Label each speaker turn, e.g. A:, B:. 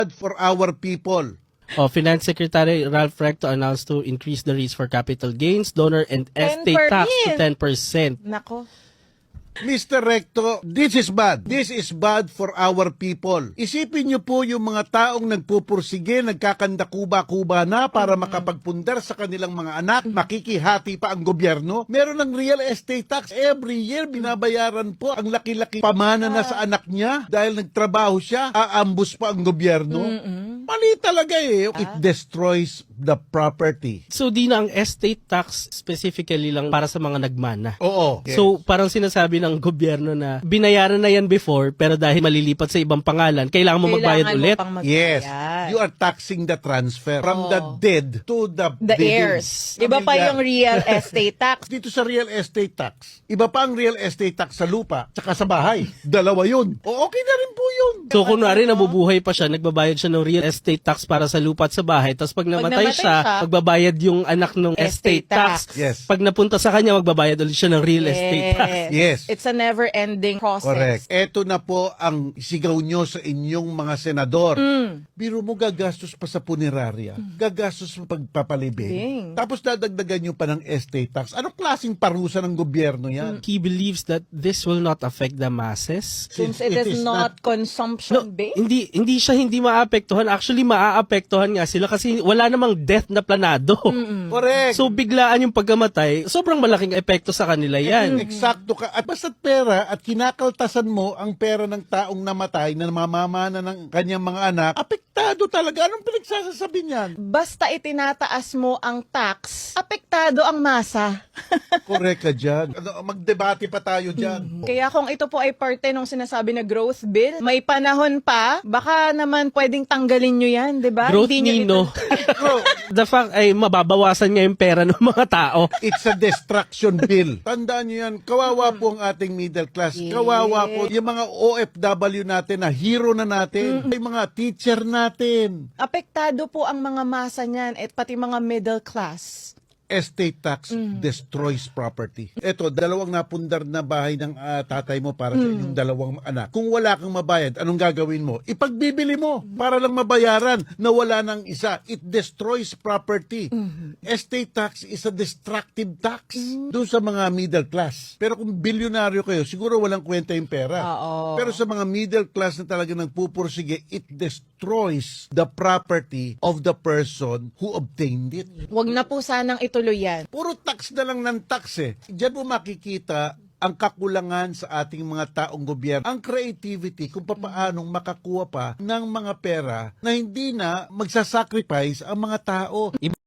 A: For our people.
B: Finance Secretary Ralph Recto announced to increase the rates for capital gains, donor, and estate tax to 10%.
C: Nako.
A: Mr. Recto, this is bad. This is bad for our people. Isipin niyo po yung mga taong nagpupursige, nagkakanda-kuba-kuba na para makapagpundar sa kanilang mga anak, makikihati pa ang gobyerno. Meron ng real estate tax. Every year, binabayaran po ang laki-laki pamana na sa anak niya dahil nagtrabaho siya, aambus pa ang gobyerno. Mali talaga eh. It destroys the property.
B: So di na ang estate tax specifically lang para sa mga nagmana.
A: Oo.
B: So parang sinasabi ng gobyerno na binayaran na yan before pero dahil malilipat sa ibang pangalan, kailangan mo magbayad ulit.
A: Yes. You are taxing the transfer from the dead to the
C: heirs. Iba pa yung real estate tax.
A: Dito sa real estate tax, iba pa ang real estate tax sa lupa tsaka sa bahay. Dalawa yun. O okay na rin po yun.
B: So kunwari nabubuhay pa siya, nagbabayad siya ng real estate tax para sa lupa at sa bahay, tapos pag namatay siya, magbabayad yung anak ng estate tax.
A: Yes.
B: Pag napunta sa kanya, magbabayad ulit siya ng real estate tax.
A: Yes.
C: It's a never-ending process.
A: Correct. Ito na po ang sigaw nyo sa inyong mga senador. Biro mo gagastos pa sa punerarya. Gagastos sa pagpapalibing. Tapos dadagdagan nyo pa ng estate tax. Anong klaseng parusa ng gobyerno yan?
B: He believes that this will not affect the masses.
C: Since it is not consumption-based.
B: Hindi siya hindi maapektuhan. Actually, maaapektuhan nga sila kasi wala namang death na planado.
A: Correct.
B: So, biglaan yung pagkamatay, sobrang malaking epekto sa kanila yan.
A: Eksakto ka. At basta't pera at kinakaltasan mo ang pera ng taong namatay na namamana ng kanyang mga anak, apektado talaga. Anong pinagsasasabi niyan?
C: Basta itinataas mo ang tax, apektado ang masa.
A: Correct ka dyan. Magdebate pa tayo dyan.
C: Kaya kung ito po ay parte ng sinasabi na growth bill, may panahon pa, baka naman pwedeng tanggalin nyo yan, di ba?
B: Growth
C: Hindi nyo
B: Nino. The fact ay mababawasan nga yung pera ng mga tao.
A: It's a destruction bill. Tandaan nyo yan, kawawa po ang ating middle class. Kawawa po yung mga OFW natin na hero na natin. Yung mga teacher natin.
C: apektado po ang mga masa niyan at pati mga middle class.
A: Estate tax destroys property. Ito, dalawang napundar na bahay ng tatay mo para sa inyong dalawang anak. Kung wala kang mabayad, anong gagawin mo? Ipagbibili mo para lang mabayaran na wala ng isa. It destroys property. Estate tax is a destructive tax doon sa mga middle class. Pero kung bilyonaryo kayo, siguro walang kwenta yung pera. Pero sa mga middle class na talaga nagpupursige, it destroys the property of the person who obtained it.
C: Huwag na po sanang ituloy yan.
A: Puro tax na lang ng tax eh. Diyan mo makikita ang kakulangan sa ating mga taong gobyerno. Ang creativity kung paanong makakuha pa ng mga pera na hindi na magsasacrifice ang mga tao.